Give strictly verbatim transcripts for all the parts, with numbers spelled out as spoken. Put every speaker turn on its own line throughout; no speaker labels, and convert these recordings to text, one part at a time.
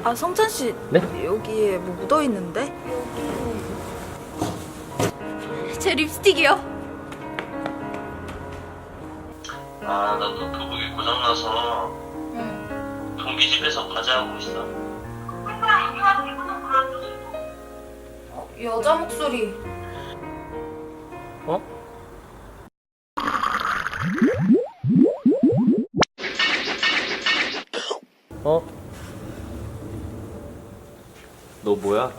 아, 성찬 씨.
네?
여기에 뭐 묻어 있는데?
제 립스틱이요.
아, 나 노트북이 고장나서
응.
동기 집에서 과제하고 있어.
어, 여자 목소리.
어? 어? 너 뭐야?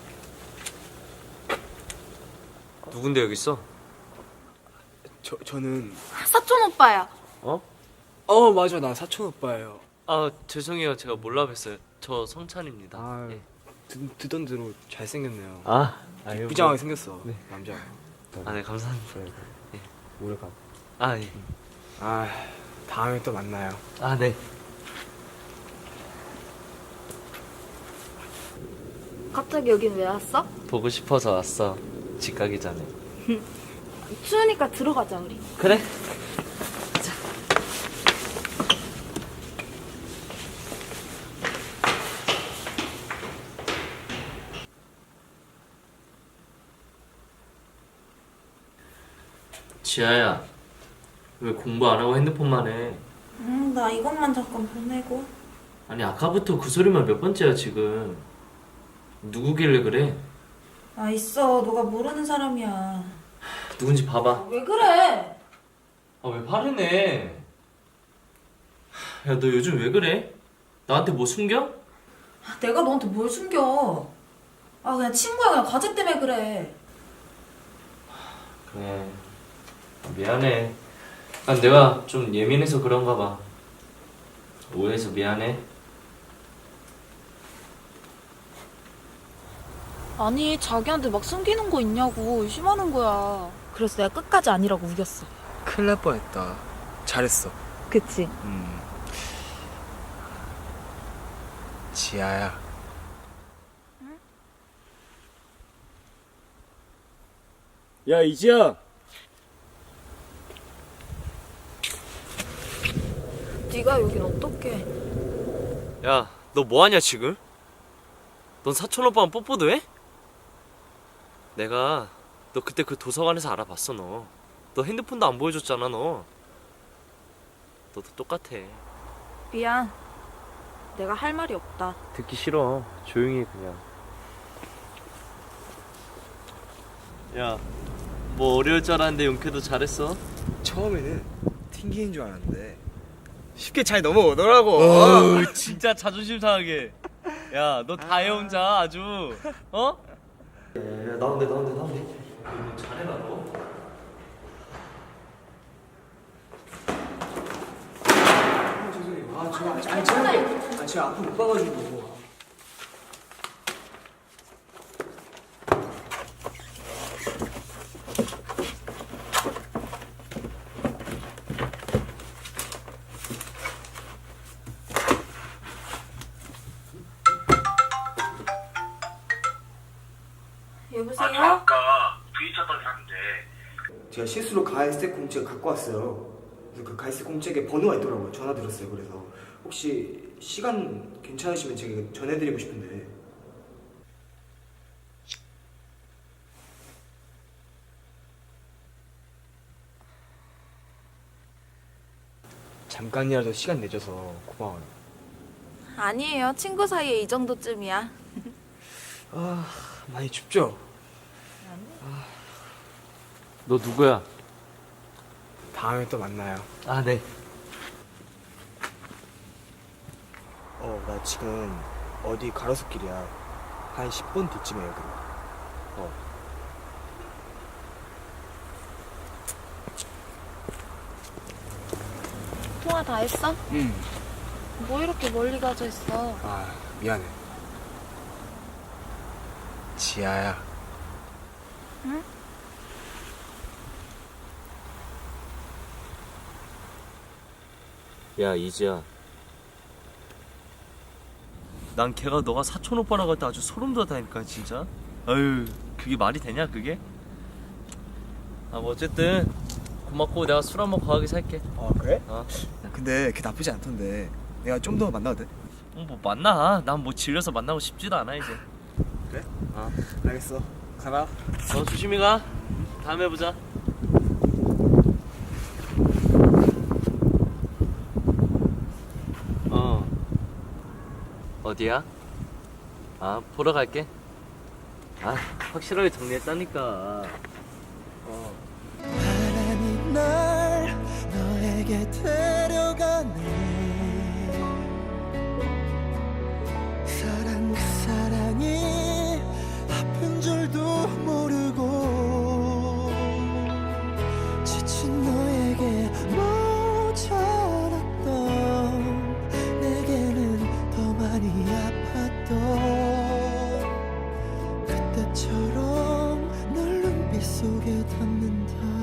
누군데 여기 있어?
저, 저는
사촌 오빠야.
어?
어 맞아 나 사촌 오빠예요.
아 죄송해요 제가 몰라 뵀어요. 저 성찬입니다.
아
예.
듣, 듣던 대로 잘생겼네요.
아, 아유,
부장하게 생겼어.
네.
남자.
아, 네 감사합니다. 예.
오래 가.
아 예.
아 다음에 또 만나요.
아 네.
갑자기 여긴 왜 왔어?
보고 싶어서 왔어. 집 가기 전에.
추우니까 들어가자 우리.
그래? 지아야, 왜 공부 안 하고 핸드폰만 해?
응, 나 이것만 잠깐 보내고.
아니 아까부터 그 소리만 몇 번째야 지금. 누구길래 그래?
아, 있어. 너가 모르는 사람이야.
누군지 봐봐.
왜 그래?
아 왜 화를 내? 야 너 요즘 왜 그래? 나한테 뭐 숨겨?
아, 내가 너한테 뭘 숨겨? 아, 그냥 친구야. 그냥 과제 때문에 그래.
그래 미안해. 난 내가 좀 예민해서 그런가 봐. 오해해서 미안해.
아니, 자기한테 막 숨기는 거 있냐고 의심하는 거야. 그래서 내가 끝까지 아니라고 우겼어.
큰일 날 뻔했다. 잘했어.
그치?
음. 지아야. 야 이지야.
네가 여긴 어떡해?
야 너 뭐하냐 지금? 넌 사촌 오빠랑 뽀뽀도 해? 내가 너 그때 그 도서관에서 알아봤어. 너 너 핸드폰도 안 보여줬잖아. 너 너도 똑같아.
미안. 내가 할 말이 없다.
듣기 싫어. 조용히 해 그냥. 야 뭐 어려울 줄 알았는데 용케도 잘했어.
처음에는 튕기는 줄 알았는데 쉽게 잘 넘어오더라고.
어우 진짜 자존심 상하게. 야 너 다 해 혼자 아주. 어? 야, 나온대 나온대 나온대. 너 잘해라 너.
아, 죄송해요. 아, 저, 아니, 제가, 아, 제가 앞을 못 봐가지고.
여보세요?
아, 아까 부딪혔던 사람인데.
제가 실수로 가이스텍 공책 갖고 왔어요. 그래서 그 가이스텍 공책에 번호가 있더라고요. 전화 드렸어요. 그래서 혹시 시간 괜찮으시면 제가 전해드리고 싶은데. 잠깐이라도 시간 내줘서 고마워요.
아니에요. 친구 사이에 이 정도쯤이야.
아, 많이 춥죠?
너 누구야?
다음에 또 만나요.
아 네.
어, 나 지금 어디 가로수길이야. 한 십 분 뒤쯤에 여기로. 어.
통화 다 했어?
응.
뭐 이렇게 멀리 가져 있어?
아, 미안해. 지아야.
응?
야 이지야. 난 걔가 너가 사촌 오빠라고 할 때 아주 소름 돋았다니까 진짜. 아유 그게 말이 되냐 그게? 아 뭐 어쨌든 고맙고 내가 술 한번 과하게 살게.
어, 그래?
어.
근데 걔 나쁘지 않던데. 내가 좀 더 만나도 돼?
어, 뭐 만나. 난 뭐 질려서 만나고 싶지도 않아 이제.
그래?
어.
알겠어. 가라.
어 조심히 가. 다음에 보자. 어. 어디야? 아 보러 갈게. 아 확실하게 정리했다니까. 어.
바람이 날 너에게 데려가네. 사랑 그 사랑이 아픈 줄도 모르고 지친 너에게 모자랐던 내게는 더 많이 아팠던 그때처럼 널 눈빛 속에 담는다.